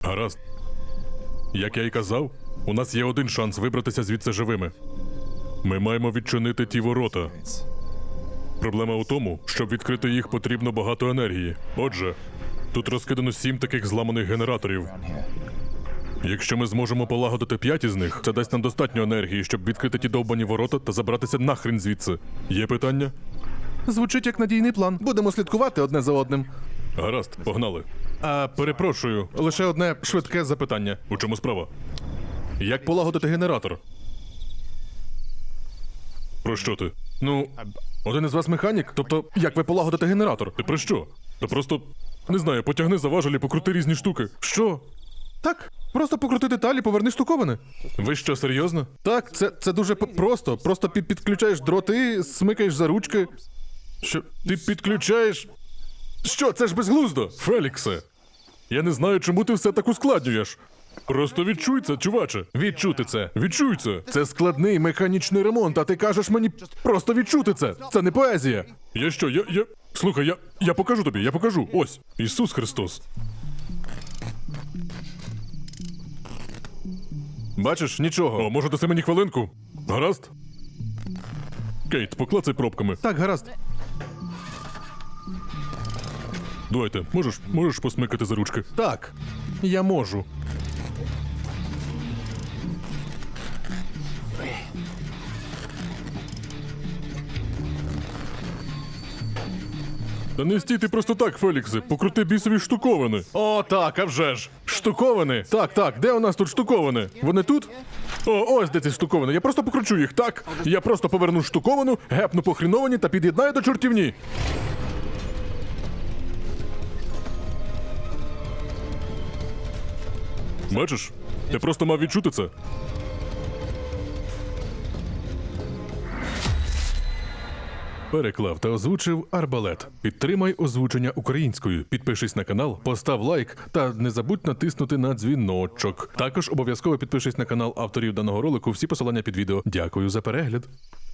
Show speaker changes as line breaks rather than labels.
Гаразд. Як я й казав, у нас є один шанс вибратися звідси живими. Ми маємо відчинити ті ворота. Проблема у тому, щоб відкрити їх, потрібно багато енергії. Отже, тут розкидано 7 таких зламаних генераторів. Якщо ми зможемо полагодити 5 із них, це дасть нам достатньо енергії, щоб відкрити ті довбані ворота та забратися нахрін звідси. Є питання?
Звучить як надійний план. Будемо слідкувати одне за одним.
Гаразд, погнали. Перепрошую,
Лише одне швидке запитання.
у чому справа? Як полагодити генератор? Про що ти?
Ну, один із вас механік? Тобто, як ви полагодите генератор?
Ти про що? Та просто, не знаю, потягни за важелі, покрути різні штуки.
Що? Так, просто покрути деталі, поверни штуковини.
Ви що, серйозно?
Так, це дуже просто. Просто підключаєш дроти, смикаєш за ручки.
Що, ти підключаєш?
Що, це ж безглуздо?
Феліксе, я не знаю, чому ти все так ускладнюєш. Просто відчуй це, чуваче.
Відчути це.
Відчуй це.
Це складний механічний ремонт, а ти кажеш мені просто відчути це. Це не поезія.
Я що, я... Слухай, я покажу тобі, я покажу. Ось, Ісус Христос.
Бачиш, нічого.
О, може даси мені хвилинку? Гаразд? Кейт, поклацай пробками.
Так, гаразд.
Дуайте, можеш посмикати за ручки?
Так, я можу.
Та не стійте просто так, Феліксе, покрути бісові штуковини.
О, так, а вже ж. Штуковини? Так, де у нас тут штуковини? Вони тут? О, ось де ці штуковини. Я просто покручу їх, так? Я просто поверну штуковину, гепну по хріновані та під'єднаю до чортівні.
Бачиш? Ти просто мав відчути це.
Переклав та озвучив Арбалет. Підтримай озвучення українською. Підпишись на канал, постав лайк та не забудь натиснути на дзвіночок. Також обов'язково підпишись на канал авторів даного ролику. Всі посилання під відео. Дякую за перегляд.